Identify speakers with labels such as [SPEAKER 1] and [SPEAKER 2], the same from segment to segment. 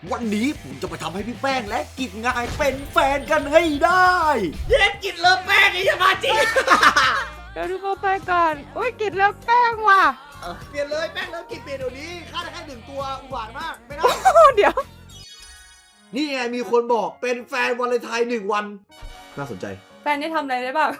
[SPEAKER 1] วันนี้ผมจะไปทำให้พี่แป้งและกิจงายเป็นแฟนกันให้ได้เย็นกิจเลิฟแป้งไอ้ยามาจิ
[SPEAKER 2] เดี๋ยวดูเข้าไปก่อนอุ้ยกินแล้วแป้งว่ะ
[SPEAKER 1] เปลี่ยนเลยแป้งเลิฟกิจเปลี่ยนเดี๋ยวนี้ค่าได้แค่1 ตัวอุบาทมากไม่ได้
[SPEAKER 2] เดี๋ยว
[SPEAKER 1] นี่ไงมีคนบอกเป็นแฟนวาเลนไทน์1 วันน่าสนใจ
[SPEAKER 2] แฟนนี่ทำอะไรได้บ้าง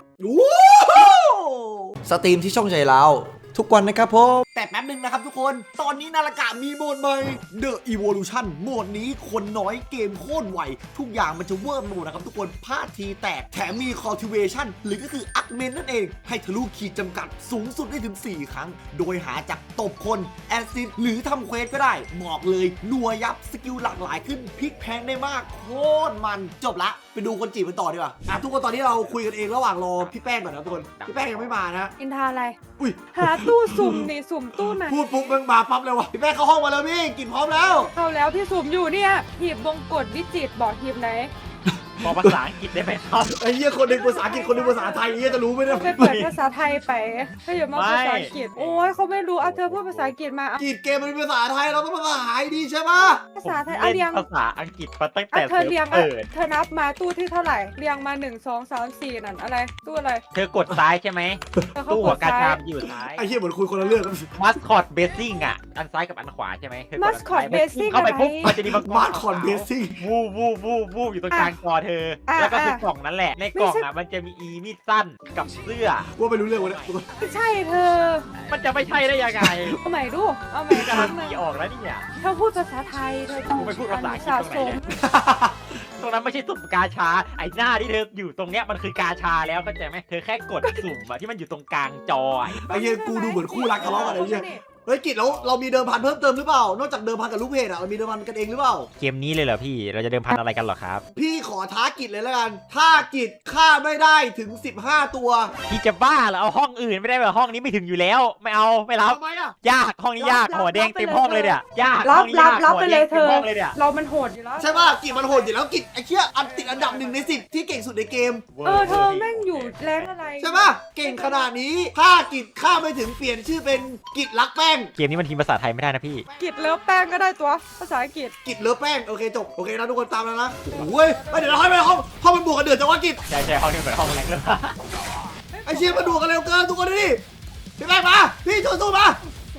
[SPEAKER 1] สตรีมที่ช่องใจเราทุกวันนะครับผมแต่แป๊บนึงนะครับทุกคนตอนนี้นาฬิกามีโหมดใหม่ The Evolution โหมดนี้คนน้อยเกมโคตรไวทุกอย่างมันจะเวิร์มโหมดนะครับทุกคนพลาดทีแตกแถมมี Cultivation หรือก็คืออักเมนนั่นเองให้ทะลุขีดจำกัดสูงสุดได้ถึง4 ครั้งโดยหาจากตบคนแอสซิสหรือทำเควสก็ได้บอกเลยนัวยับสกิลหลากหลายขึ้นพลิกแพงได้มากโคตรมันจบละไปดูคนจีบกันต่อดีกว่าทุกคนตอนนี้เราคุยกันเองระหว่างรอพี่แป้งก่อนนะทุกคนพี่แป้งยังไม่มานะ
[SPEAKER 2] อินทาอะไร
[SPEAKER 1] อุ้ย
[SPEAKER 2] หาตู้สุ่มนี่สุ่มตู้ไหน
[SPEAKER 1] พูดปุ๊บมึงมาปั๊บเลยวะพี่แป้งเข้าห้องมาแล้วพี่กินพร้อมแล้ว
[SPEAKER 2] เข้าแล้วพี่สุ่มอยู่เนี่ยหีบวงกดวิจิตรบอกหีบไหน
[SPEAKER 3] บอกภาษาอังกฤษได้ไหมครับ
[SPEAKER 1] ไอ้เหี้ยคนหนึ่งภาษาอังกฤษคนหนึ่งภาษาไทยเหี้ยจะรู้ไหมเนี่ย
[SPEAKER 2] ไปเปิดภาษาไทยไปถ้าอย่ามาภาษาอังกฤษโอ้ยเขาไม่รู้เอาเธอพูดภาษาอังกฤษมาเอา
[SPEAKER 1] กีดเกมมันเป็นภาษาไทยเราต้องภาษาไทยดีใช่ปะ
[SPEAKER 2] ภาษาไทยเอาเรียง
[SPEAKER 3] ภาษาอังกฤษมาตั้ง
[SPEAKER 2] เอา
[SPEAKER 3] แต่
[SPEAKER 2] เธอเรียง
[SPEAKER 3] เปิด
[SPEAKER 2] เธอนับมาตู้ที่เท่าไหร่เรียงมา1 2 3 4นั่นอะไรตู้อะไร
[SPEAKER 3] เธอกดซ้ายใช่ไหม
[SPEAKER 2] แล้วเขา
[SPEAKER 3] ตู้
[SPEAKER 2] ก
[SPEAKER 3] หัว
[SPEAKER 2] ด
[SPEAKER 3] กา
[SPEAKER 2] ซ้า
[SPEAKER 3] ชาย มอยู่ซ้าย
[SPEAKER 1] ไอ้เหี้ยเหมือนคุยคนละเรื่องกัน
[SPEAKER 3] มัสคอตเบสซิ่งอ่ะอันซ้ายกับอันขวาใช่ไหมเธอกดอันซ้าย
[SPEAKER 2] Mascot Basing
[SPEAKER 3] เข้าไปปุ๊บ
[SPEAKER 2] อะไร
[SPEAKER 3] มันจะมีมังกร
[SPEAKER 1] มาร์คอนเบสซิ่ง
[SPEAKER 3] วูอยู่ตรงกลางคอเธอ แล้วก็คือกล่องนั้นแหละในกล่องอ่ะมันจะมีอีมีดสั้นกับเสื้อ
[SPEAKER 1] ว่าไม่รู้เรื่องวะเนี่ย
[SPEAKER 2] ไม่ใช่เธอ
[SPEAKER 3] มันจะไม่ใช่ได้ยังไง
[SPEAKER 2] เอาใหม่ดูเอาใหม่
[SPEAKER 3] กา
[SPEAKER 2] ค
[SPEAKER 3] รั
[SPEAKER 2] รั้
[SPEAKER 3] น
[SPEAKER 2] งหนึ่
[SPEAKER 3] ตี
[SPEAKER 2] ง
[SPEAKER 3] ออกแล้วเนี่ย
[SPEAKER 2] เธอพูดภาษาไทยเธอ
[SPEAKER 3] กูไม่พูดภาษาอังกฤษ
[SPEAKER 2] สะ
[SPEAKER 3] ตรง
[SPEAKER 2] ส
[SPEAKER 3] ไหน
[SPEAKER 2] ม
[SPEAKER 3] เนี่ยตรงนั้นไม่ใช่สุ่มกาชาไอ้หน้าที่เธออยู่ตรงเนี้ยมันคือกาชาแล้วเข้าใจไหมเธอแค่กดสุ่มอะที่มันอยู่ตรงกลางจออะ
[SPEAKER 1] ไอ้เหี้ยกูดูเหมือนคู่รักทะเลาะกันไอ้เหี้ยเฮ้ยกิจแล้วเรามีเดิมพันเพิ่มเติมหรือเปล่านอกจากเดิมพันกับลูกเพจอะเรามีเดิมพันกันเองหรือเปล่า
[SPEAKER 3] เกมนี้เลยเหรอพี่เราจะเดิมพันอะไรกันเหรอครับ
[SPEAKER 1] พี่ขอท้ากิจเลยแล้วกันถ้ากิจฆ่าไม่ได้ถึง15 ตัว
[SPEAKER 3] พี่จะบ้าเหรอเอาห้องอื่นไม่ได้เหรอห้องนี้ไม่ถึงอยู่แล้วไม่เอาไม่รับ
[SPEAKER 1] ทำไมอะ
[SPEAKER 3] ยากห้องนี้ยากหัวแดงเต็มห้องเลยเนี่ยยาก
[SPEAKER 2] รั
[SPEAKER 3] ห้
[SPEAKER 2] บ
[SPEAKER 3] องนี้
[SPEAKER 2] รับ
[SPEAKER 3] ยาก
[SPEAKER 2] รับ
[SPEAKER 3] หัว
[SPEAKER 2] ไป
[SPEAKER 3] แด
[SPEAKER 2] เลย
[SPEAKER 3] ง
[SPEAKER 2] เธ
[SPEAKER 3] เต็ม
[SPEAKER 2] อ
[SPEAKER 3] ห้องเลยเนี่ย
[SPEAKER 2] เรามันโหดอยู่แล้ว
[SPEAKER 1] ใช่ป่ะกิจมันโหดอยู่แล้วกิจไอ้เหี้ยติดอันดับ1 ใน 10ที่เก่งสุดในเกม
[SPEAKER 2] เธอแม่งอยู่แรงอะไร
[SPEAKER 1] ใช่ป่ะเก่งขนาดนี้ถ้ากิจฆ่าไม่ถึงเปลี่ยนชื่อเป็นกิจรักแป้ง
[SPEAKER 3] เกมนี้มันทีมภาษาไทยไม่ได้นะพี่
[SPEAKER 2] กิดเลิฟแป้งก็ได้ตัวภาษาอังกฤษ
[SPEAKER 1] กิจเลิฟแป้งโอเคจบโอเคนะทุกคนตามแล้วนะโอ้ยเดี๋ยวเราให้ไปห้องมันบวกกันเดือดจังวะกิจ
[SPEAKER 3] ใช่ห้องนี้เหมือนห้องแรงเลย
[SPEAKER 1] ไอเชียมันบวกกันเร็วเกินทุกคนดิพี่แป้งมาพี่สู้ๆมา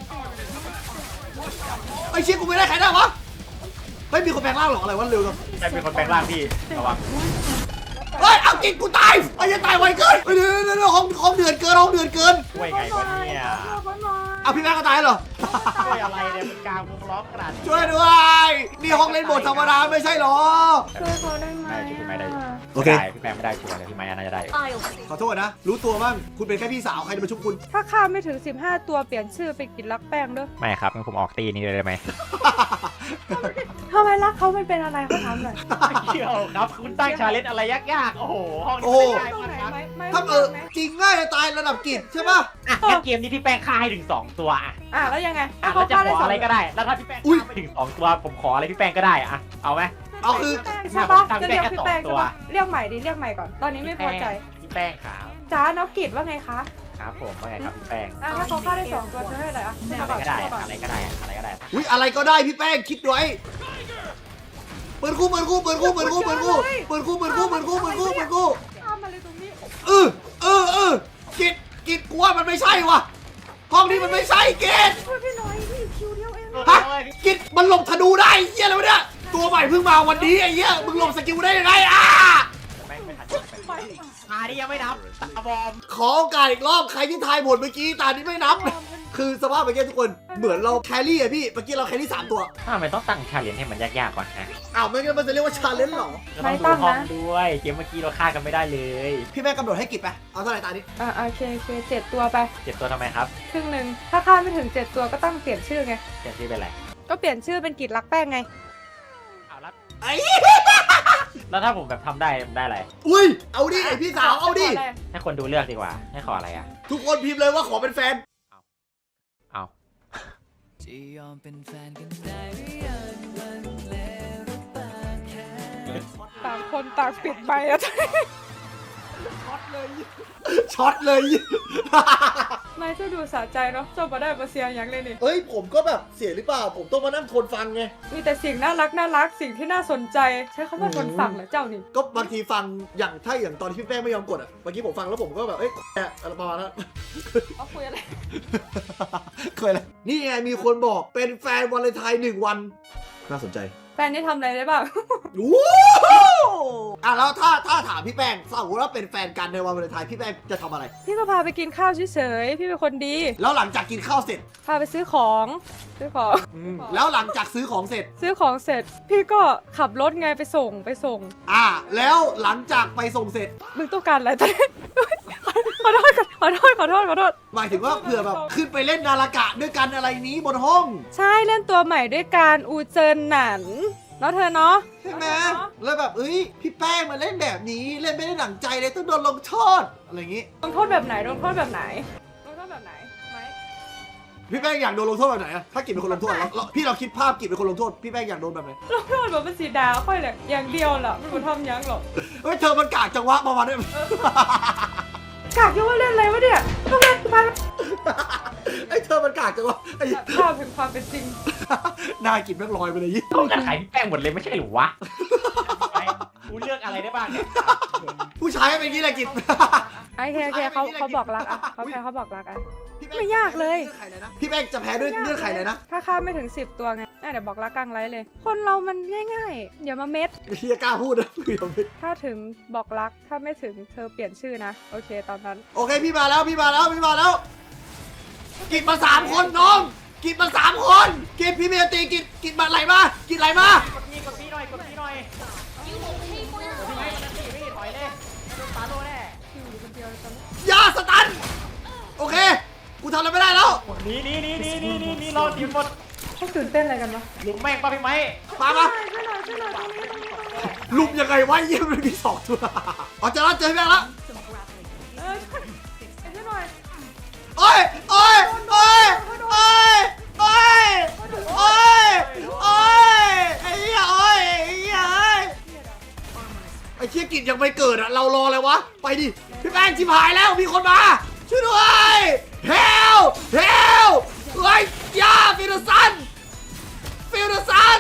[SPEAKER 1] ไอเชียกูไม่ได้ใครได้วะไม่มีคนแปลงร่างหรอกอะไรวะเร็วจัง
[SPEAKER 3] ใช่เป็นคนแปลงร่างพี่ระวัง
[SPEAKER 1] เฮ้ยเอากิจกูตายไอ้ยังตายไวเกินเดี๋ยวห้องเดือดเกินห้องเดือดเกิน
[SPEAKER 3] ช่วยไงวะเนี่ย
[SPEAKER 1] เอาพี่แป้งก็ตายเหรอ
[SPEAKER 3] ช่วยอะไรเนี่ยเป็นกลางวงล้อมขนาดนี้
[SPEAKER 1] ช่วยด้วยนี่ห้องเล่นโหมดธรรมดาไม่ใช่หรอ
[SPEAKER 2] ช่วยเขาได้ไหม
[SPEAKER 3] ไม่ช่วยพี่ไม้ได้
[SPEAKER 1] โอเค
[SPEAKER 3] พี่แปลงไม่ได้ชัวร์เลยพี่ไม้น่าจะได้
[SPEAKER 1] ขอโทษนะรู้ตัวบ้างคุณเป็นแค่พี่สาวใครจะมาชุบคุณ
[SPEAKER 2] ถ้าข้ามไม่ถึง15 ตัวเปลี่ยนชื่อเป็นกิดรักแป้งด้วย
[SPEAKER 3] ไม่ครับงั้นผมออกตีนี้เลยได้ไหม
[SPEAKER 2] ทำไมรักเขามันเป็นอะไรเขาถามหน่อย
[SPEAKER 3] เกี่ยวครับคุณตั้งชาเลนจ์อะไรยากๆโอ้โหห้องนี้
[SPEAKER 1] โอ้
[SPEAKER 3] ไม่ได้
[SPEAKER 2] ตรง
[SPEAKER 3] มัน
[SPEAKER 2] ไหน
[SPEAKER 3] ครับ
[SPEAKER 2] ไหมไม่
[SPEAKER 1] ถ้า
[SPEAKER 2] ไหม
[SPEAKER 1] จริงง่ายจะตายระดับกิจใช่ป่ะ
[SPEAKER 3] อ่ะงั้นเกมนี้พี่แป้งฆ่าให้ถึง2 ตัวอ่ะ
[SPEAKER 2] แล้วยังไง
[SPEAKER 3] อ่ะ
[SPEAKER 2] เขา
[SPEAKER 3] แล้วจะ
[SPEAKER 2] ฆ่า
[SPEAKER 3] ข
[SPEAKER 2] ได้
[SPEAKER 3] อ
[SPEAKER 2] สอง
[SPEAKER 3] อะไรก็ได้ แล้วถ้าพี่แป้ง
[SPEAKER 1] อุ๊ย
[SPEAKER 3] ฆ่าไม่ถึง2 ตัวผมขออะไรพี่แป้งก็ได้อ่ะเอาไหม
[SPEAKER 1] เอาคือ
[SPEAKER 2] ใช่ปะ
[SPEAKER 3] ทำ
[SPEAKER 2] จะ
[SPEAKER 3] ได้
[SPEAKER 2] เรียก
[SPEAKER 3] แค่
[SPEAKER 2] พี่แป้ง
[SPEAKER 3] สองตัว
[SPEAKER 2] ใช่ปะเรียกใหม่ดิเรียกใหม่ก่อนตอนนี้ไม่พอใจ
[SPEAKER 3] พี่แป้งขาว
[SPEAKER 2] จ้าน้องกิดว่าไงคะ
[SPEAKER 3] ครับผมว่าไงครับพี่แป้ง
[SPEAKER 2] ถ้าเขาฆ่าได้2 ตัวจะให้อะไร
[SPEAKER 3] อะไร
[SPEAKER 2] ก่อน
[SPEAKER 3] ก็ได้
[SPEAKER 2] ก่อน
[SPEAKER 3] อะไรก็ได้อะไรก็ได้
[SPEAKER 1] อุ้ยอะไรก็ได้พี่แป้งคิดไว้เปิดคู่
[SPEAKER 2] ข้ามมาเลยตรงนี้
[SPEAKER 1] กิจกูว่ามันไม่ใช่ว่ะห้องนี้มันไม่ใช่กิจ
[SPEAKER 2] ช่วยพี่หน่อยพี่คิวเดียวเอง
[SPEAKER 1] ฮะกิจมันหลบธนูได้เหี้ยอะไรวะเนี่ยตัวใหม่เพิ่งมาวันนี้ไอ้เหี้ยมึงหลบสกิลได้ยังไง
[SPEAKER 3] ไม่ทันนี่ยังไม่นับตาบอม
[SPEAKER 1] ขอโอกาสอีกรอบใครที่ทายหมดเมื่อกี้ตานี้ไม่นับ คือสภาพเมื่อกี้ทุกคนเหมือนเราแครี่อะพี่เมื่อกี้เราแครี่3 ตัว
[SPEAKER 3] ทำไมต้องตั้งชาเลนจ์ให้มันยากๆก่อนฮะ
[SPEAKER 1] อ้าวไม่งั้นมันจะเรียกว่าชาเลนจ์หรอ
[SPEAKER 3] ก็ต้องดูห้องด้วยเกมเมื่อกี้เราฆ่ากันไม่ได้เลย
[SPEAKER 1] พี่แม่กำหนดให้กิจไปเอาเท่าไหร่ตานี้
[SPEAKER 2] โอเค7 ตัวไป
[SPEAKER 3] 7 ตัวทำไมครับ
[SPEAKER 2] ครึ่งหนึ่งถ้าข้ามไม่ถึง7 ตัวก็ต้องเปลี่ยนชื่อไง
[SPEAKER 3] เจ็ดที่เป็นไร
[SPEAKER 2] ก็เปลี่ยนชื่อเป็นกิดรักแป้งไง
[SPEAKER 3] เอาแล้ว
[SPEAKER 1] ไอ้
[SPEAKER 3] แล้วถ้าผมแบบทำได้ได้อะไร
[SPEAKER 1] อุ้ยเอาดิไอพี่สาวเอาดิ
[SPEAKER 3] ให้คนดูเลือกดีกว่าให้ขออะไรอ่ะ
[SPEAKER 1] ทุกคนพิมพ์เลยว่าขอเป็นแฟน
[SPEAKER 3] เอา
[SPEAKER 4] จะยอมเป็นแฟนกันได้หรือยังมันแล้วหรือเปล่าแค่
[SPEAKER 2] ต่างคนต่างปิดไปอะ
[SPEAKER 1] ช็อตเลย
[SPEAKER 2] ไม่จะดูสะใจเนาะจบมาได้มาเสียอย่างเลยนี่
[SPEAKER 1] เอ้ยผมก็แบบเสียหรือเปล่าผมต้องมานั่งทนฟังไง
[SPEAKER 2] มีแต่สิ่งน่ารักสิ่งที่น่าสนใจใช้คำว่าทนฟังเหรอเจ้านี่
[SPEAKER 1] ก็บางทีฟังอย่างถ้าอย่างตอนที่พี่แป้งไม่ยอมกดอ่ะเมื่อกี้ผมฟังแล้วผมก็แบบเอ้ยอะไรประมาณนั้น
[SPEAKER 2] เอาคุยอะไร
[SPEAKER 1] เคยเลยนี่ไงมีคนบอกเป็นแฟนวาเลนไทน์1 วันน่าสนใจ
[SPEAKER 2] แฟนนี่ทำอะไรได้บ้าง
[SPEAKER 1] ว้าวอ่ะแล้วถ้าถามพี่แป้งสมมติว่าเป็นแฟนกันในวันวาเลนไทน์พี่แป้งจะทำอะไร
[SPEAKER 2] พี่ก็พาไปกินข้าวเฉยๆพี่เป็นคนดี
[SPEAKER 1] แล้วหลังจากกินข้าวเสร็จ
[SPEAKER 2] พาไปซื้อของ
[SPEAKER 1] แล้วหลังจากซื้อของเสร็จ
[SPEAKER 2] ซื้อของเสร็จ พี่ก็ขับรถไงไปส่ง
[SPEAKER 1] แล้วหลังจากไปส่งเสร็จ
[SPEAKER 2] มึงต้องการอะไรตอนนี้ ขอโทษ
[SPEAKER 1] หมายถึงว่าเผื่อแบบขึ้นไปเล่นนารากะด้วยกันอะไรนี้บนห้อง
[SPEAKER 2] ใช่เล่นตัวใหม่ด้วยการอูเจินหนันแล้วเธอเนาะ
[SPEAKER 1] ใช่ไหมแล้วแบบเอ้ยพี่แป้งมาเล่นแบบนี้เล่นไม่ได้หนังใจเลยต้องโดนลงโทษอะไรอย่างงี้
[SPEAKER 2] ลงโทษแบบไหนไหม
[SPEAKER 1] พี่แป้งอยากโดนลงโทษแบบไหนอะถ้ากิจเป็นคนลงโทษพี่เราคิดภาพกิจเป็นคนลงโทษพี่แป้งอยากโดนแบบไหน
[SPEAKER 2] ลงโทษแบบเป็นสีดาค่อยแหละอย่างเดียวแหละไม่ควรทำยังหรอก
[SPEAKER 1] เฮ้ยเธอมันกากจังวะประมาณนี้
[SPEAKER 2] กากยังว่าเล่นอะไรวะเนี่ยต้องเล่นไป
[SPEAKER 1] ไอ้เธอมันกากจังวะไอ้
[SPEAKER 2] ภาพถึงความเป็นจริง
[SPEAKER 1] หน้ากิจแม่งลอยไปเลยยี่
[SPEAKER 3] ต้องการขายพี่แป้งหมดเลยไม่ใช่หรือวะกูเลือกอะไรได้บ้างเนี่ย
[SPEAKER 1] ผู้ชายเป็นอย่างนี้แหละกิจ
[SPEAKER 2] โอเคเขาบอกรักอ่ะเขาบอกรักอ่ะ
[SPEAKER 1] พี่แป้ง
[SPEAKER 2] ไม่ยากเลย
[SPEAKER 1] พี่แป้งจะแพ้ด้วยเงื่อนไขอะไรนะ
[SPEAKER 2] ถ้าข้ามไม่ถึง10 ตัวไงเดี๋ยวบอกรักกลางไลฟ์เลย คนเรามันง่ายๆอย่ามาเม็ด
[SPEAKER 1] เฮียกล้าพูดนะ
[SPEAKER 2] ถ้าถึงบอกรักถ้าไม่ถึงเธอเปลี่ยนชื่อนะโอเคตอนนั้น
[SPEAKER 1] โอเคพี่มาแล้วกิจมา3 คนน้องกิจมา3 คนกิจพี่เมียตีกิจมาไหลมากิจไหลมาก
[SPEAKER 3] ดพี่หน่อยพี่ถอยเลยปาโลแน่
[SPEAKER 1] ยาสตันโอเคกูทำอะไรไม่ได้แล้ว
[SPEAKER 3] นี่รอทีมหมด
[SPEAKER 2] เขาตื่นเต้นอะไรกันวะ
[SPEAKER 3] ลุงแม่งป้าพี่ไม้
[SPEAKER 1] มา
[SPEAKER 2] ช่วยหน่อยตรงนี้
[SPEAKER 1] ลุมยังไงวะเยี่ยมเลยมี2 ตัวอ๋อเจอแล้วพี่แป้งแล้ว
[SPEAKER 2] ช่วยหน่อย
[SPEAKER 1] โอ้ยไอ้เหี้ยไอ้เชี่ยกิจยังไม่เกิดอะเรารออะไรวะไปดิพี่แป้งชิบหายแล้วมีคนมาช่วยด้วยเฮลเฮ้ยยาฟิลซันเอ้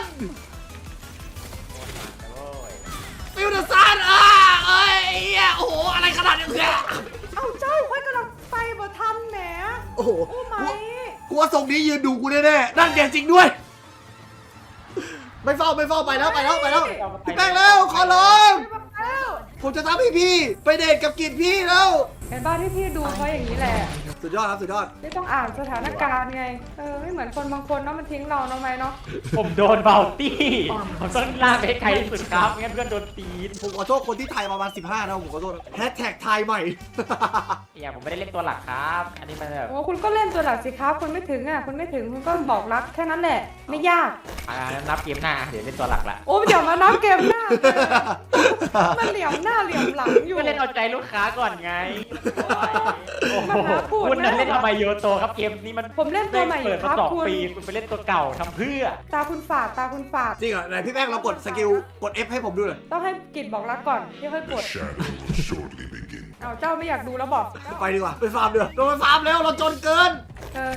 [SPEAKER 1] ยเหี้ยโอ้โหอะไรขนาดนี้เนี่ย
[SPEAKER 2] เอาเจ้าค่อยกำลังไปบ่ทันแหม
[SPEAKER 1] โอ้โห
[SPEAKER 2] โอ้ไหม
[SPEAKER 1] กูว่าทรงนี้ยืนดูกูแน่ๆนั่นเดียจริงด้วยไม่เฝ้าไปแล้วพี่แป้งแล้วขอร้อง
[SPEAKER 2] ไปแล้ว
[SPEAKER 1] ผมจะทำให้พี่ไปเดทกับกิจพี่แล้ว
[SPEAKER 2] เห็นบ้านที่พี่ดูเพราะอย่างนี้แหละ
[SPEAKER 1] สุดยอดครับสุดยอด
[SPEAKER 2] ไม่ต้องอ่านสถานการณ์ไงไม่เหมือนคนบางคนเนาะมันทิ้งเราเนาะไหมเนาะ
[SPEAKER 3] ผมโดนเบาตี้ผมต้องลากไปไกลที่สุดครับงั้นเพื่อนโดนตีน
[SPEAKER 1] ผมขอโทษคนที่ไทยประมาณ15นะผมขอโทษแฮชแท็กไทยใหม่
[SPEAKER 3] อย่างผมไม่ได้เล่นตัวหลักครับ อันนี้มันแบบ
[SPEAKER 2] โอ้คุณก็เล่นตัวหลักสิครับคุณไม่ถึงคุณก็บอกรักแค่นั้นแหละไม่ยาก
[SPEAKER 3] นับเกมหน้าเดี๋ยวเล่นตัวหลักละ
[SPEAKER 2] โอ้เดี๋ยวมานับเกมหน้ามันเหลี่ยมหน้าเหลี่ยมหลังอยู่
[SPEAKER 3] ก็เล่นเอาใจลูกค้าก่อนไง
[SPEAKER 2] มันหาพูด
[SPEAKER 3] คุณ
[SPEAKER 2] นะ
[SPEAKER 3] เล่นทำไมโยโตครับเกมนี้มัน
[SPEAKER 2] ผมเล่นตัวใหม่อ
[SPEAKER 3] เปิด
[SPEAKER 2] ยู่ค
[SPEAKER 3] มา
[SPEAKER 2] รับ
[SPEAKER 3] 2 ปีคุณไปเล่นตัวเก่าทำเพื่อ
[SPEAKER 2] ตาคุณฝาด
[SPEAKER 1] จริงเหรอไหนพี่แป้งเรากดสกิลกด F ให้ผมดูหน่อย
[SPEAKER 2] ต้องให้กิจบอกรักก่อนที่ค่อยกด เอาเจ้าไม่อยากดูแล้วบอก
[SPEAKER 1] ไปดีกว่าไปฟาร์มเดือโดนไปฟาร์มแล้วเราจนเกิน
[SPEAKER 2] เธอ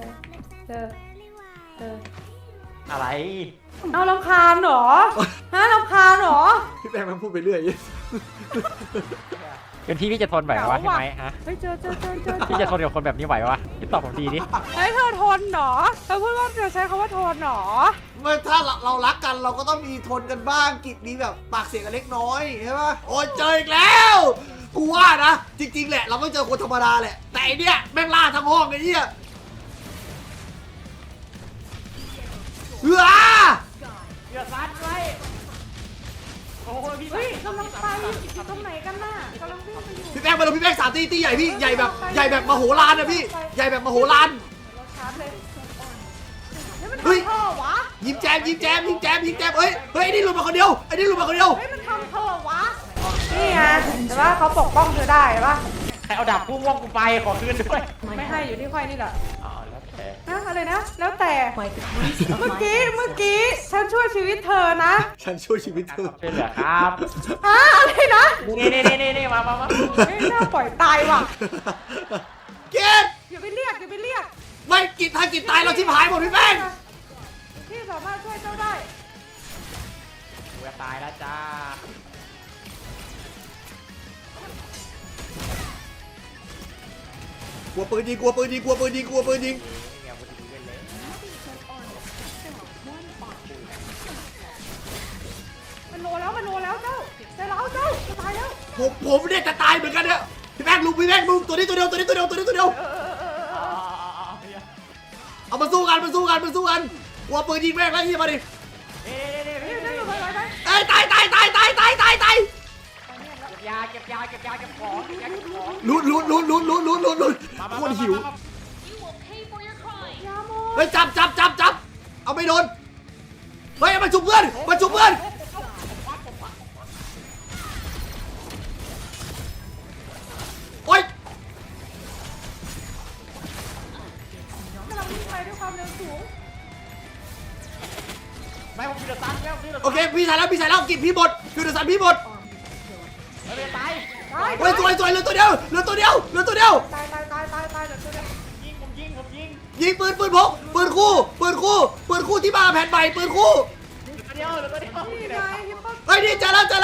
[SPEAKER 3] อะไร
[SPEAKER 2] เอารำคาญเหรอรำคาญเหรอ
[SPEAKER 1] พี่แป้งมันพูดไปเรื่อย
[SPEAKER 3] เป็นพี่จะทนไหววะใช่ไหมฮะ
[SPEAKER 2] เฮ้ยเจอ
[SPEAKER 3] พี่จะทนกับคนแบบนี้ไหววะพี่ตอบผมดีดิ
[SPEAKER 2] เฮ้ยเธอทนเหรอเธอพูดว่าเธอใช้คำว่าทนเหรอ
[SPEAKER 1] เมื่อถ้าเรารักกันเราก็ต้องมีทนกันบ้างกิจมีแบบปากเสียงกันเล็กน้อยใช่ปะโอ้ยเจออีกแล้วกูว่านะจริงๆแหละเราไม่เจอคนธรรมดาแหละแต่ไอเนี้ยแม่งล่าทั้งห้องไอ้เหี้ยเฮ้ย
[SPEAKER 3] เดือดร้อนไว้โอ้ยพี่
[SPEAKER 2] เฮ้ยกำลังไปอยู่ตรงไหนกันน่ะกำลังวิ่งไปอยู่
[SPEAKER 1] พี่แป้งมาเลยพี่แป้ง3 ตีใหญ่พี่ใหญ่แบบมโหฬารนะพี่ใหญ่แบบมโหฬาร
[SPEAKER 2] เราชาร์จเลยมัน
[SPEAKER 1] เฮ้ย
[SPEAKER 2] ทำเธอวะ
[SPEAKER 1] ยิ้มแจมเฮ้ยไอ้นี่หลุดมาคนเดียว
[SPEAKER 2] เฮ้ยมันทำเธอวะนี่ไงแต่ว่าเขาปกป้องเธอได้ปะ
[SPEAKER 3] ใครเอาดาบพุ่งว่องกูไปขอคืนด้วย
[SPEAKER 2] ไม่ให้อยู่ที่ค่อยนี่แหละ
[SPEAKER 3] อ๋อแล้วแต่
[SPEAKER 2] อะไรนะแล้วแต่เมื่อกี้ฉันช่วยชีวิตเธอนะ
[SPEAKER 1] ฉันช่วยชีวิตเธอ
[SPEAKER 3] ช่วยเหลือครับ
[SPEAKER 2] อะไรนะ
[SPEAKER 3] นี่มา
[SPEAKER 2] ไม่น่าปล่อยตายว่ะ
[SPEAKER 1] เกต
[SPEAKER 2] อย่าไปเรียกอย่าไปเรียก
[SPEAKER 1] ไม่กิจถ้ากิจตายเราชิบหายหมดพี่แป้ง
[SPEAKER 2] พี่สามารถช่วยเจ้าได้
[SPEAKER 3] กูจะตายแล้วจ้าก
[SPEAKER 1] ลัวปืนยิงกลัวปืนยิงกลัวปืนยิงกลัวปืนยิง
[SPEAKER 3] เนี่ยกูจะดูเล่นเลย
[SPEAKER 2] มันโลแล้วเจ้าแต่เราเจ้าจะตายแล้ว
[SPEAKER 1] ผมเนี่ยจะตายเหมือนกันเนี่ยพี่แป้งลุงพี่แป้งลุงตัวนี้ตัวเดียวตัวนี้ตัวเดียวตัวนี้ตัวเดียวเอามาสู้กันกลัวปืนยิงแม่งแล้วยิงมาดิ
[SPEAKER 2] นี่นั่นอยู่ไปไหน
[SPEAKER 1] เอ้ยตาย
[SPEAKER 3] เก็บยาเก็บของ
[SPEAKER 1] ลุ้นโคตรหิว
[SPEAKER 2] ยาโม
[SPEAKER 1] เฮ้ยจับเอาไม่โดนเฮ้ยมาชุบเพื่อนโอ๊ย
[SPEAKER 2] กำลังวิ่งไปด้วยความเร็วสูง
[SPEAKER 3] ไม่ผมพิจารณาแล้ว
[SPEAKER 1] โอเคพี่ชายแล้วกินพี่หมดคือเดือดสันพี่หมด
[SPEAKER 3] ไม่ตาย
[SPEAKER 2] ตาย
[SPEAKER 1] เฮ้ยสวยเหลือตัวเดียว
[SPEAKER 2] ตายเดี๋ยวตัวเดียว
[SPEAKER 3] ยิง
[SPEAKER 1] ยิงปืนพกปืนคู่ที่มาแผ่นใหม่ปืนคู่
[SPEAKER 3] เดียว
[SPEAKER 2] นี่ไงฮิปโป
[SPEAKER 1] เฮ้ยนี่เจอแล้ว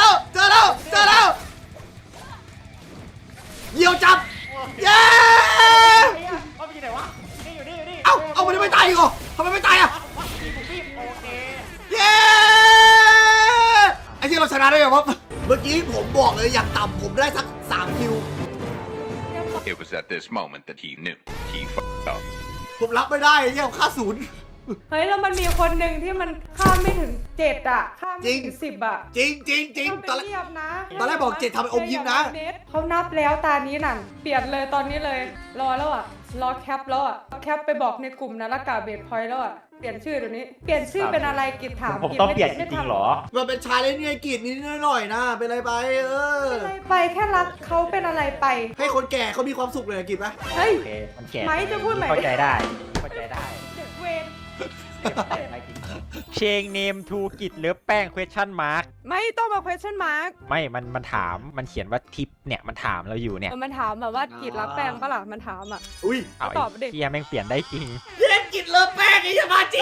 [SPEAKER 1] เหยี่ยวจับเย้
[SPEAKER 3] เขาไปที่ไหนวะนี่อยู่นี่
[SPEAKER 1] เอามันไม่ตายอีกเหรอทำไมไม่ตายอ่ะ
[SPEAKER 3] พี่โอเค
[SPEAKER 1] เย้ไอ้ที่เราชนะได้ยังวะเมื่อกี้ผมบอกเลยอย่างต่ำผมได้สัก3 คิว
[SPEAKER 5] It was at this moment that he knew he fucked up.
[SPEAKER 1] ผมรับไม่ได้เยี่ยมค่าศูนย์
[SPEAKER 2] เฮ้ยแล้วมันมีคนหนึ่งที่มันข้ามไม่ถึง7อ่ะข้ามไม่ถึง10อ่ะ
[SPEAKER 1] จริงต
[SPEAKER 2] ต้
[SPEAKER 1] อ
[SPEAKER 2] อน ง
[SPEAKER 1] แรก
[SPEAKER 2] ไปเรียบนะ
[SPEAKER 1] ตอนแรกบอก7ทำเป็นอมยิ้มนะ
[SPEAKER 2] เขานับแล้วตานี้นั่นเปลี่ยนเลยตอนนี้เลยรอแล้วอ่ะรอแคปแล้วอ่ะแคปไปบอกในกลุ่มนะละกาเบดพอยต์แล้วอ่ะเปลี่ยนชื่อเดี๋ยวนี้เปลี่ยนชื่อเป็นอะไรกิจถาม
[SPEAKER 3] ผม
[SPEAKER 2] กิจ
[SPEAKER 3] ต้อง
[SPEAKER 2] ไม่
[SPEAKER 3] เปลี่ยนจ
[SPEAKER 2] ไม่
[SPEAKER 3] ริง
[SPEAKER 2] ทำ
[SPEAKER 3] ๆหรอ
[SPEAKER 1] มันเป็นชายเล่นเนี่ยกีดนิดหน่อยนะเป็นอะไรไป
[SPEAKER 2] เป็นอะไรไปแค่รักเขาเป็นอะไรไป
[SPEAKER 1] ให้คนแก่เขามีความสุขเลยกีดไหม
[SPEAKER 2] เฮ้ย
[SPEAKER 3] โอเคมันแก่
[SPEAKER 2] ไหมจะพูดไหม
[SPEAKER 3] เข้าใจได้
[SPEAKER 2] เด็กเวร
[SPEAKER 3] เชงเนมทูกิจหรือแป้ง question mark
[SPEAKER 2] ไม่ต้องมา question mark
[SPEAKER 3] ไม่มันถามมันเขียนว่าทิปเนี่ยมันถามเราอยู่เนี่ย
[SPEAKER 2] มันถามแบบว่ากิจรักแป้งปะล่ะมันถามอ่ะ
[SPEAKER 1] อุ้ย
[SPEAKER 3] เอา
[SPEAKER 2] ตอบดิ
[SPEAKER 3] ไอ้เฮียแม่งเปลี่ยนได้จริง
[SPEAKER 1] เล่นกิดเลิฟแป้งไอ้ยามาจี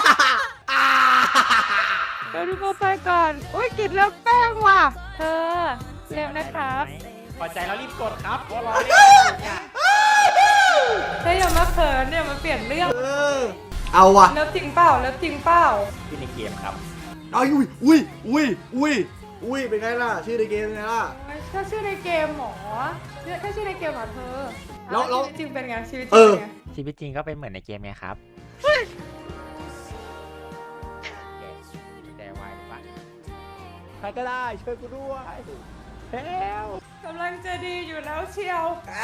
[SPEAKER 2] เดี๋ยวดูโปรไฟล์ก่อนอุ้ยกิจเลือกแป้งว่ะเธอเร็วนะครับ
[SPEAKER 3] พอใจแล้วรีบกดครับเพราะรอเล่นเนี่ย
[SPEAKER 2] เธออย่ามาเขินเนี่ยมาเปลี่ยนเรื่อง
[SPEAKER 1] เอาว่ะ
[SPEAKER 2] เลิฟจริงเปล่าเลิฟจริงเปล่า
[SPEAKER 3] ที่ในเกมครับ
[SPEAKER 1] เอาอุ้ยเป็นไงล่ะชื่อในเกมเป็นไงล่ะ
[SPEAKER 2] ถ้าชื่อในเกมหมอถ้าชื่อในเกมเหรอเธอ
[SPEAKER 1] แล้ว
[SPEAKER 2] ชีวิตจริงเป็นไงชีวิตจ
[SPEAKER 1] เอ
[SPEAKER 2] ริง
[SPEAKER 1] อ
[SPEAKER 2] เป็นไง
[SPEAKER 3] ชีวิตจริงก็เป็นเหมือนในเกมไงครับแต่วายปะใครก็ได้ช่วยกูด้วยแล้ว
[SPEAKER 2] กำลังจะดีอยู่แล้วเชียว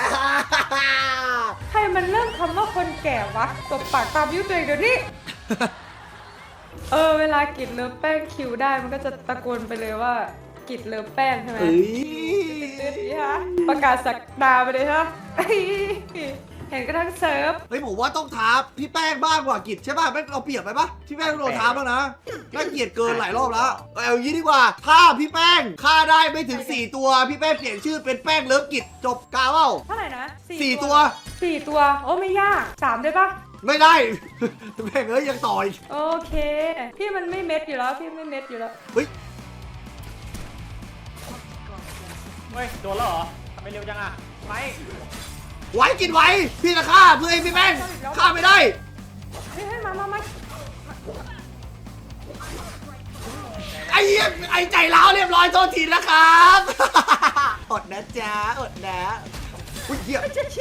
[SPEAKER 2] ใครมันเริ่มคำว่าคนแก่วะตบปากตามยุตัวเองเดี๋ยวนี้ เวลากิดเลิฟแป้งคิวได้มันก็จะตะโกนไปเลยว่ากิดเลิฟแป้งใช่ไหม
[SPEAKER 1] เอ้ย
[SPEAKER 2] นี่ฮะประกาศสักดาไปเลยฮะ เห็นกระทั่งเซิร์ฟ
[SPEAKER 1] เฮ้ยผมว่าต้องท้าพี่แป้งบ้างกว่ากิจใช่ป่ะแม่งเราเปรียบไปปะพี่แป้งโดนท้าบ้างนะน่าเกลียดเกินหลายรอบแล้วเอาอย่างนี้ดีกว่าถ้าพี่แป้งฆ่าได้ไม่ถึง4 ตัวพี่แป้งเปลี่ยนชื่อเป็นแป้งเลิฟกิจจบกาวเอ้า
[SPEAKER 2] เท่าไหร่นะ
[SPEAKER 1] 4 ตัว
[SPEAKER 2] 4 ตัวโอ้ไม่ยาก3ได้ปะ
[SPEAKER 1] ไม่ได้ แม่งเอ้ยยังต่ออีก
[SPEAKER 2] โอเค พี่มันไม่เม็ดอยู่แล้วพี่ไม่เม็ดอยู่แล้ว
[SPEAKER 1] เฮ้ย
[SPEAKER 3] เฮ้ยโดนแล้วเหรอทำไมเร็วจังอ่ะไม่
[SPEAKER 1] ไหวกินไหวพี่จะฆ่าเพื่อให้พี่แป้งฆ่าไม่ได้
[SPEAKER 2] เฮ้ยมา
[SPEAKER 1] ไอ้เหี้ยไอ้ใจร้าวเรียบร้อยโทษทีนะครับ อดนะจ๊ะอดนะอุ้ยเหี้ย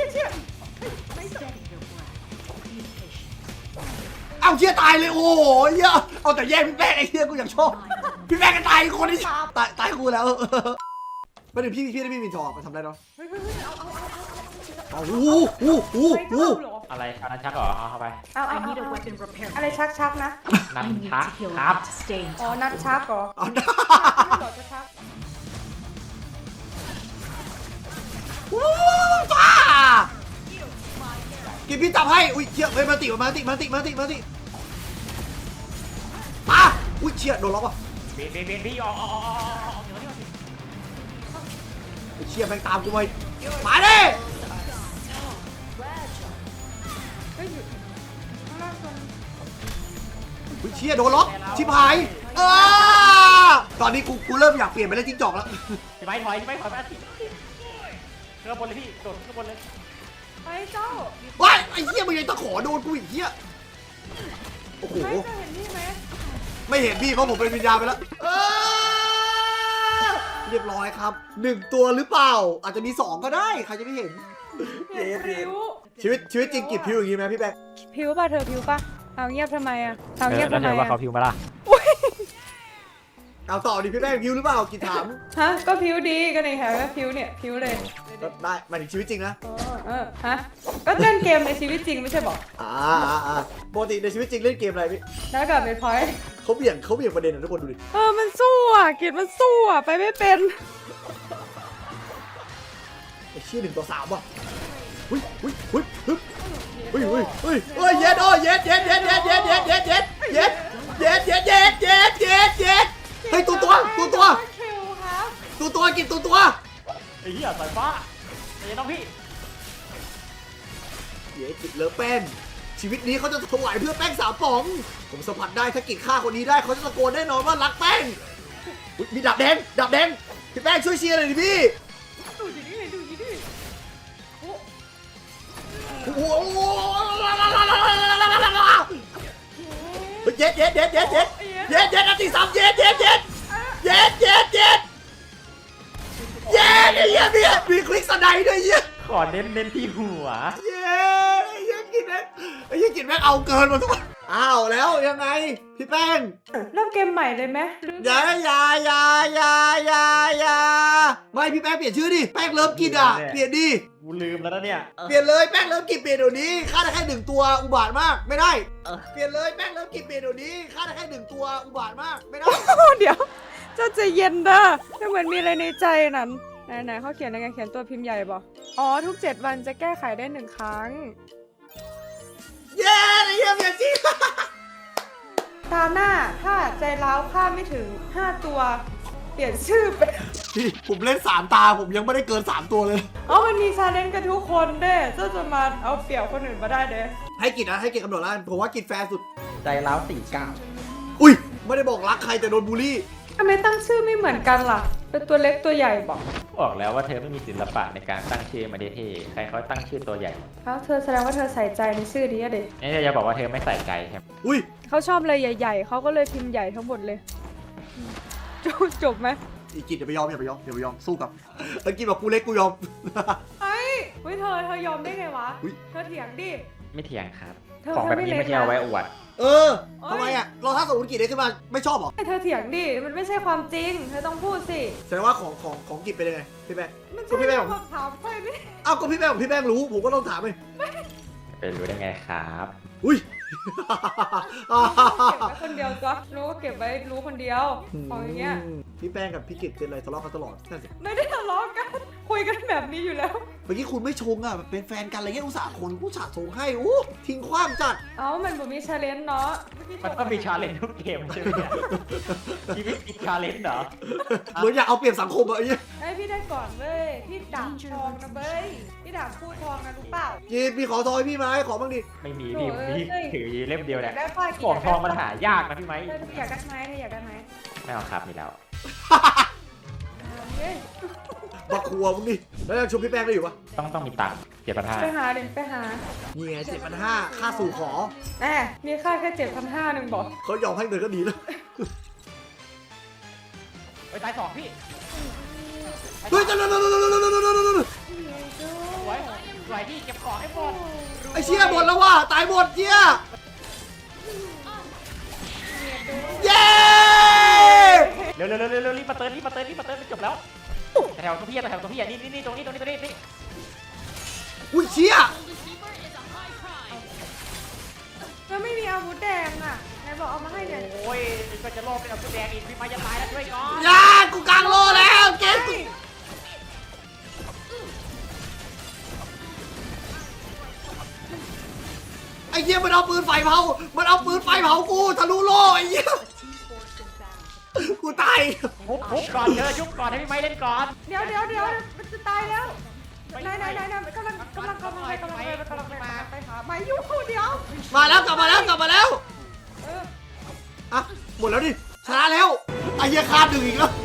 [SPEAKER 1] เอาเชี่ยตายเลยโอ้โหเหี้ยเอาแต่แย่งพี่แป้งไอ้เหี้ยกูอยากชอบพี่แป้งก็ตายคนที่ตายกูแล้วไม่ถึงพี่ได้พี่มีทองมาทำได้เนาะโอ้โห
[SPEAKER 3] อะไรอันนั้นชักเหรอเอาเข้าไป
[SPEAKER 2] เอา
[SPEAKER 6] I need a weapon repair.
[SPEAKER 2] อะไรชักนะ
[SPEAKER 3] นัน
[SPEAKER 6] I need
[SPEAKER 3] ชัก
[SPEAKER 6] to heal
[SPEAKER 3] ครับ
[SPEAKER 6] to stay in
[SPEAKER 2] อ๋อ
[SPEAKER 6] touch.
[SPEAKER 2] นัดชักเหรอ
[SPEAKER 1] เอาได้
[SPEAKER 2] ไม่ต่อจะชัก
[SPEAKER 1] ว้าวจ้ากินพี่จับให้อุ้ยเชี่ยเฮ้ยมาติมาอุ้ยเชี่ยโดนล็อกว่ะ
[SPEAKER 3] เบนพี่ออกเดี๋ยวนี้
[SPEAKER 1] ไอ้เชี่ยแม่งตามกูไปมาดิ
[SPEAKER 2] ฮ้ยอยู่ข้างล่างตรง
[SPEAKER 1] อุ๊ยเชี่ยโดนล็อกชิบหายตอนนี้กูเริ่มอยากเปลี่ยนไปเล่นจิ้งจอกแล้ว
[SPEAKER 3] พี่ไม้ถอยมาสิขึ้นบนเลยพี่โดดขึ้นบนเลย
[SPEAKER 2] ไปเจ้า
[SPEAKER 1] ว้ายไอ้เหี้ยมึงยังตะขอโดนกูอีกเหี้ยโอ้โห
[SPEAKER 2] ไปเจ้าเห็นนี่ไหม
[SPEAKER 1] ไม่เห็นพี่เพราะผมเป็นวิญญาณไปแล้วเรียบร้อยครับ1ตัวหรือเปล่า อาจจะมี2ก็ได้ใครจะไม่เห็น
[SPEAKER 2] เห็นพริ้ว
[SPEAKER 1] ชีวิตจริงกีบพิวอย่างนี้ไหมพี่แบงค์
[SPEAKER 2] พริ้วป่ะเธอพริ้วป่ะเอาเงียบทำไมอ่ะเอาเงียบ
[SPEAKER 3] แล้ว
[SPEAKER 2] ทำไม
[SPEAKER 3] เธอว่าเขา
[SPEAKER 2] อ่ะ
[SPEAKER 3] พิวมาล่ะ
[SPEAKER 1] เอาต่อดิพี่แบงค์พิวหรือเปล่ากีถาม
[SPEAKER 2] ฮะก็พริ้วดีก็ในแถวพริ้วเนี่ยพริ้วเลย
[SPEAKER 1] ได้หมายถึงชีวิตจริงนะ
[SPEAKER 2] ฮะก็เล่นเกมในชีวิตจริงไม่ใช่บอก
[SPEAKER 1] ปกติในชีวิตจริงเล่นเกมอะไรพี่
[SPEAKER 2] แล้วกับเป็นพอยต์
[SPEAKER 1] เขาเบี่ยงประเด็นนะทุกคนดูดิ
[SPEAKER 2] มันสู้อ่ะเกียรติมันสู้อ่ะไปไม่เป็น
[SPEAKER 1] ไอ้เชี่ย1 ต่อ 3ว่ะหุ้ยเย็ดเฮ้ยตัวกินตัว
[SPEAKER 3] ไอ้เหี้ยสายฟ้าไอ้น้องพี่
[SPEAKER 1] เย้กินเลอแป้งชีวิตนี้เขาจะถวายเพื่อแป้ง3 ป๋องผมสัมผัสได้ถ้ากินฆ่าคนนี้ได้เขาจะตะโกนแน่นอนว่ารักแป้งมีดาบแดงพี่แป้งช่วยเชียร์หน่อยดิพี่
[SPEAKER 2] ดูดิดูดิ
[SPEAKER 1] โอ้โหเย็ดนาที3เย็ดไอ้เหี้ยมีคลิกสไนด์ด้วยเหี้ย
[SPEAKER 3] ขอเน้นที่หัว
[SPEAKER 1] ไอ้เหี้ยกินแม่งเอาเกินมาทุกคนอ้าวแล้วยังไงพี่แป้ง
[SPEAKER 2] เริ่มเกมใหม่เลยไหม
[SPEAKER 1] อย่าไม่พี่แป้งเปลี่ยนชื่อดิแป้งเริ่มกินเปลี่ยนดิ
[SPEAKER 3] กูลืมแล้วนะเนี่ย
[SPEAKER 1] เปลี่ยนเลยแป้งเริ่มกินเปลี่ยนเดี๋ยวนี้ฆ่าได้แค่1 ตัวอุบาทมากไม่ได้เปลี่ยนเลยแป้งเริ่มกินเปลี่ยนเดี๋ยวนี้ฆ่าได้แค่1 ตัวอุบาทมากไม่ได้
[SPEAKER 2] เดี๋ยวเจ้าใจเย็นเด้อไม่เหมือนมีอะไรในใจนั้นไหนเขาเขียนอะไรเขียนตัวพิมพ์ใหญ่บ่อ๋อทุก7 วันจะแก้ไขได้1 ครั้ง
[SPEAKER 1] เย้ไอ้เหี้ยเปลี่ยนจริง
[SPEAKER 2] ตาหน้าถ้าใจร้าวฆ่าไม่ถึง5 ตัว เปลี่ยนชื่อเป็น
[SPEAKER 1] พี่ผมเล่น3 ตาผมยังไม่ได้เกิน3 ตัวเลย
[SPEAKER 2] มันมีชาเลนจ์กันทุกคนเด้เจ้าจะมาเอาเปรียบคนอื่นมาได้เด้
[SPEAKER 1] ให้กินกำหนดแล้วผมว่ากินแฟร์สุด
[SPEAKER 3] ใจร้าว49
[SPEAKER 1] อุ้ยไม่ได้บอกรักใครแต่โดนบูลลี่
[SPEAKER 2] ทำไมตั้งชื่อไม่เหมือนกันล่ะ เป็นตัวเล็กตัวใหญ่บอก
[SPEAKER 3] บอกแล้วว่าเธอไม่มีศิลปะในการตั้งชื่อมาเดเทใครเขาตั้งชื่อตัวใหญ่
[SPEAKER 2] แล้วเธอแสดงว่าเธอใส่ใจในชื่อนี้อะเด็ก
[SPEAKER 3] นี่เธอจะบอกว่าเธอไม่ใส่ใจใช่ไหม
[SPEAKER 1] อุ้ย
[SPEAKER 2] เขาชอบเลยใหญ่ๆเขาก็เลยพิมพ์ใหญ่ทั้งหมดเลยจบไหม
[SPEAKER 1] อีกินอย่าไปยอมสู้กับตะกี้บอกกูเล็กกูยอม
[SPEAKER 2] เฮ้ยเธอยอมได้ไงวะ
[SPEAKER 1] อุ๊ย
[SPEAKER 2] เธอเถียงดิ
[SPEAKER 3] ไม่เถียงครับ
[SPEAKER 2] เธอ
[SPEAKER 3] ของแบบนี้
[SPEAKER 2] ไม่เล็ก
[SPEAKER 3] ไม่ใช่เอาไว้อวด
[SPEAKER 1] ทำไมอ่ะเราถ้าสมมติกินได้ขึ้นมาไม่ชอบหรอ
[SPEAKER 2] เธอเถียงดิ มันไม่ใช่ความจริง เธอต้องพูดสิ
[SPEAKER 1] แสดงว่าของกินเป็นยังไงพี่แป้ง
[SPEAKER 2] มัน
[SPEAKER 1] ก็พี่แป้ง
[SPEAKER 2] คำถามไปไม่
[SPEAKER 1] อ้าวก็พี่แป้งรู้ผมก็ต้องถามเลย
[SPEAKER 3] เป็นรู้ได้ไงครับ
[SPEAKER 1] อุ้ย
[SPEAKER 2] เก็บไว้คนเดียวจ้ะรู้ก็เก็บไว้รู้คนเดียวของอย่างเงี้ย
[SPEAKER 1] พี่แป้งกับพี่กิตเป็นอะไรทะเลาะกันตลอดนั่นสิ
[SPEAKER 2] ไม่ได้ทะเลาะกัน คุยกันแบบนี้อยู่แล้ว
[SPEAKER 1] เมื่อกี้คุณไม่ชงอ่ะเป็นแฟนกันอะไรเงี้ยอุตส่าห์ชงให้อู้ทิ้งขว้างจัด
[SPEAKER 2] มันบ่มีชาเลนจ์เนาะ
[SPEAKER 3] มันก็มีชาเลนจ์ทุกเกมใช่ไหมเนี่ยชีวิตมีชาเลนจ์เหรอ
[SPEAKER 1] เหมือนอยากเอาเปรียบสังคมอะไอ้เงี้ย
[SPEAKER 2] พี่ได้ก่อนเว้ย พี่ดาบทองนะเว้ย พี่ดาบพูดทองนะรู้เปล่า
[SPEAKER 1] จีนพี่ขอทอยพี่ไหมขอบ้างดิ
[SPEAKER 3] ไม่มีพี่พี่ถือเล่มเดียวเนี่ย
[SPEAKER 2] ได้ป้า
[SPEAKER 3] ของทองมันหายากนะพี่ไหม
[SPEAKER 2] เธออยากได้ไหมเธออยากได้ไหม
[SPEAKER 3] ไม่เอาครับมีแล้ว
[SPEAKER 2] เฮ้ย
[SPEAKER 1] บักครัวมึงดิแล้วยังชมพี่แป้งได้อยู่ปะ
[SPEAKER 3] ต้องมีตังค์7,500
[SPEAKER 2] ไปหาเดี๋ยวไปหา
[SPEAKER 1] นี่ไง7,500ค่าสู่ขอ
[SPEAKER 2] แน่มีค่าแค่7,500นึงบอก
[SPEAKER 1] เขายอมให้เงินก็ดีแล้ว
[SPEAKER 3] ไปตาย2พี่
[SPEAKER 1] เฮ้ย
[SPEAKER 3] สวยพี่เก็บของให้หมด
[SPEAKER 1] ไอ้เชี่ยหมดแล้วว่ะตายหมดเชี่ยเย้
[SPEAKER 3] เร็วรีบมาเติร์นจบแล้วแถวตรงพี่นี่ตรงนี้
[SPEAKER 1] อุ้ยเชี่ย
[SPEAKER 2] แล้วไม่มีอาวุธแดงอ่ะไหนบอกเอามาให้เนี่ย
[SPEAKER 3] โอ้ยก็จะโลภเป็นเอาตัวแดงอีกพี่ไม้จะตายแล้วด้วยก่อน
[SPEAKER 1] ยากูกลางโลแล้วเกมกูไอ้เหี้ยมันเอาปืนไฟเผากูทะลุโลไอ้เหี้ยกูตาย
[SPEAKER 3] ทุบก่อนเธอยุบก่อนให้พี่ไม้เล่นก่อน
[SPEAKER 2] เดี๋ยวมันจะตายแล้วไหนกำลังไปหาไม่อยู่เดี๋ยว
[SPEAKER 1] มาแล้วกลับมาแล้ว
[SPEAKER 2] เออ
[SPEAKER 1] อ่ะหมดแล้วดิชนะแล้วไอ้เหี้ยขาดหนึ่งอีกแล้ว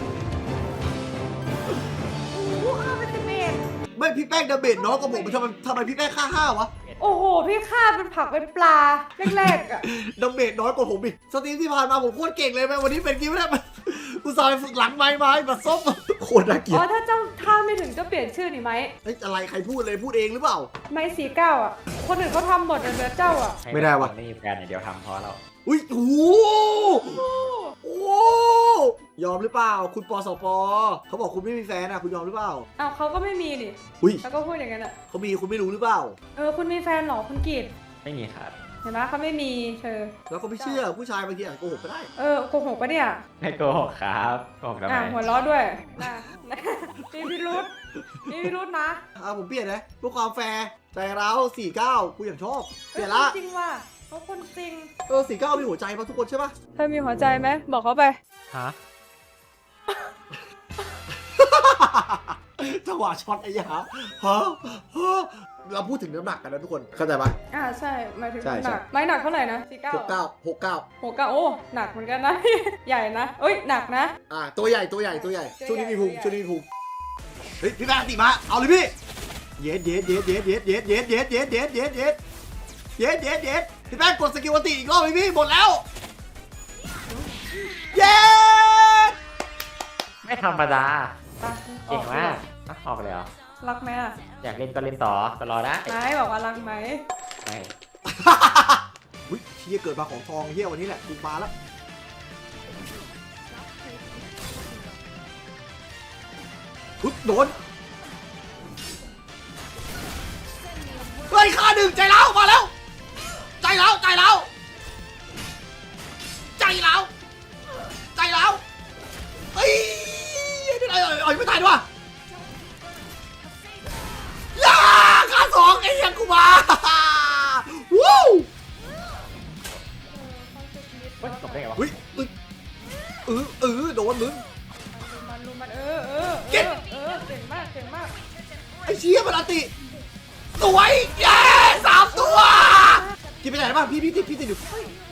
[SPEAKER 2] โอ้โหฆ่าเป็นเมตร
[SPEAKER 1] ไม่พี่แป้งดาเมจน้อยกว่าผมทำไมพี่แป้งค่า5วะ
[SPEAKER 2] โอ้โหพี่ฆ่าเป็นผักเป็นปลาแรกๆอ่ะ
[SPEAKER 1] ดาเมจน้อยกว่าผมอีกสตรีมที่ผ่านมาผมโคตรเก่งเลยไหมวันนี้เป็นกิ้วได้ไหมกูสายฝึกหลังไม้แบบส้มโคตรน่าเกลีย
[SPEAKER 2] อ๋
[SPEAKER 1] ด
[SPEAKER 2] อถ้าเจ้าถ้าไม่ถึงจะเปลี่ยนชื่อนี่ไหม
[SPEAKER 1] เฮ้ยอะไรใครพูดเลยพูดเองหรือเปล่า
[SPEAKER 2] ไม่49อ่ะคนอื่นเขาทำหมดเหลือเจ้าอ่ะ
[SPEAKER 1] ไม่ได้ว่ะ
[SPEAKER 3] ไม่มีแฟนอย่างเดียวทำเพราะเรา
[SPEAKER 1] อุ้ยโอ้โหยอมหรือเปล่า คุณปสปเขาบอกคุณไม่มีแฟนอ่ะคุณยอมหรือเปล่า
[SPEAKER 2] อ้าวเขาก็ไม่มีนี่
[SPEAKER 1] อุ้ย
[SPEAKER 2] แล้วก็พูดอย่างนั้นอ่ะ
[SPEAKER 1] เขามีคุณไม่รู้หรือเปล่า
[SPEAKER 2] คุณมีแฟนเหรอคุณกีด
[SPEAKER 3] ไม่มีครับ
[SPEAKER 2] เห็นไหมเขาไม่มีเธอ
[SPEAKER 1] แล้วก็ไม่เชื่อผู้ชายบางทีอาจโกหกก็ได้
[SPEAKER 2] โกหกปะเนี่ย
[SPEAKER 3] ไม่โกหกครับโกหกทำไม
[SPEAKER 2] หัวล้อด้วยนะมีพิรุษนะ
[SPEAKER 1] ผมเปลี่ยนนะเพื่อความแฟร์ใจเรา49กูอย่างชอบเปลี่ยนละ
[SPEAKER 2] จริงว่ะเขาคนจริง
[SPEAKER 1] 49มีหัวใจป่ะทุกคนใช่ป่ะ
[SPEAKER 2] เธอมีหัวใจไหมบอกเขาไป
[SPEAKER 3] ฮะ
[SPEAKER 1] จังหวะช็อตไอ้ยาฮะเราพูดถึงน้ำหนักกันนะทุกคนเข้าใจป่ะ
[SPEAKER 2] ใช่หมายถึง
[SPEAKER 1] ใช่
[SPEAKER 2] หนักไม้หนักเท่าไหร่นะ49
[SPEAKER 1] 69
[SPEAKER 2] โอ้หนักเหมือนกันนะ ใหญ่นะเอ้ยหนักนะ
[SPEAKER 1] ตัวใหญ่ช่วงนี้มีพุงเฮ้ยพี่แบงค์ติมาเอาเลยพี่เย็ดพี่แบงค์กดสกิลติอีกรอบพี่หมดแล้วเย็ด
[SPEAKER 3] ไม่ธรรมดา
[SPEAKER 2] ไป
[SPEAKER 3] เก่งมากออกเลยเหรอ
[SPEAKER 2] รักไหมอ่ะ
[SPEAKER 3] อยากเล่นก็เล่นต่อก็รอได้
[SPEAKER 2] นายบอกว่ารักไหม
[SPEAKER 3] ไม่
[SPEAKER 1] อุ้ยเฮียเกิดมาของทองเฮียวันนี้แหละกูมาแล้วโดนเฮ้ยค่าหนึ่งใจแล้วมาแล้วใจแล้วเฮ้ยไม่ตายด้วยย่าค่า2ไอ้ยังกูมาวู้
[SPEAKER 3] เฮ้ยจบได้ไงวะ
[SPEAKER 1] เฮ้ยโดนมึง
[SPEAKER 2] มัน
[SPEAKER 1] เก็บ
[SPEAKER 2] เก่งมาก
[SPEAKER 1] ไอ้เชี่ยมันอติสวยเย้3 ตัวกินไปไหนบ้างพี่ติดอยู่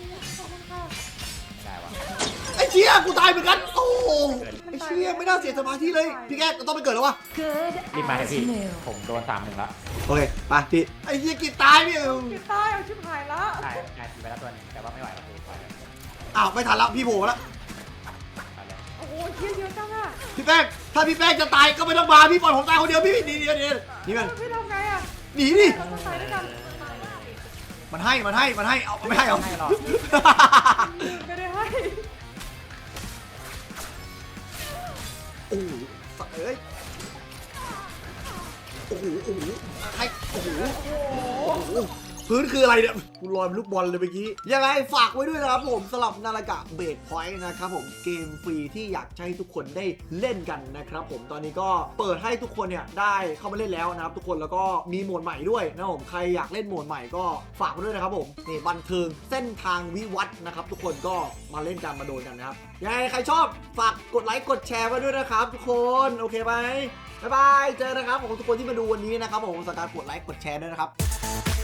[SPEAKER 3] ได้วะ
[SPEAKER 1] ไอ้เชี่ยกูตายเหมือนกันโอ้ไอ้เชี่ยไม่น่าเสียสมาธิเลยพี่แกต้องไปเกิดแล้ววะ
[SPEAKER 3] รีบมาเถอะพี่ผมโดน3-1แล้ว
[SPEAKER 1] โอเคไปพี่ไอ้เชี่ยกินตายพี่
[SPEAKER 2] พี่ตายเอาชิบหายละ
[SPEAKER 3] ได้ทีไปแล้วตัวนึงแต่ว่าไม่ไหวแล้วพี่ไปเลย
[SPEAKER 1] อ้าวไม่ทันแล้วพี่โผล่แล้ว
[SPEAKER 3] ไปเลย
[SPEAKER 2] โอ้โหเยอะจังอ่ะ
[SPEAKER 1] พี่แป้งถ้าพี่แป้งจะตายก็ไม่ต้องมาพี่ปล่อยผมตายคนเดียวพี่หนีนี่มัน
[SPEAKER 2] พี่ทำไงอ่ะ
[SPEAKER 1] หนีดิ
[SPEAKER 2] เราต้องตายด้วยกัน
[SPEAKER 1] มันให้เอาไม่ให้เอา
[SPEAKER 3] ไม่หรอก
[SPEAKER 2] ไม่ได้ให้
[SPEAKER 1] โอ้โหสัตว์เอ้ยโอ้โหใครโอ้โหพื้นคืออะไรเนี่ยกูลอยเป็นลูกบอลเลยเมื่อกี้ยังไงฝากไว้ด้วยนะครับผมสำหรับนาฬิกาเบสพอยต์นะครับผมเกมฟรีที่อยากให้ทุกคนได้เล่นกันนะครับผมตอนนี้ก็เปิดให้ทุกคนเนี่ยได้เข้ามาเล่นแล้วนะครับทุกคนแล้วก็มีโหมดใหม่ด้วยนะครับผมใครอยากเล่นโหมดใหม่ก็ฝากไว้ด้วยนะครับผมนี่บันเทิงเส้นทางวิวัฒน์นะครับทุกคนก็มาเล่นกันมาโดนกันนะครับยังไงใครชอบฝากกดไลค์กดแชร์ไว้ด้วยนะครับทุกคนโอเคไหมบ๊ายบายเจอกันนะครับผมทุกคนที่มาดูวันนี้นะครับผมฝากกดไลค์กดแชร์ด้วยนะครับ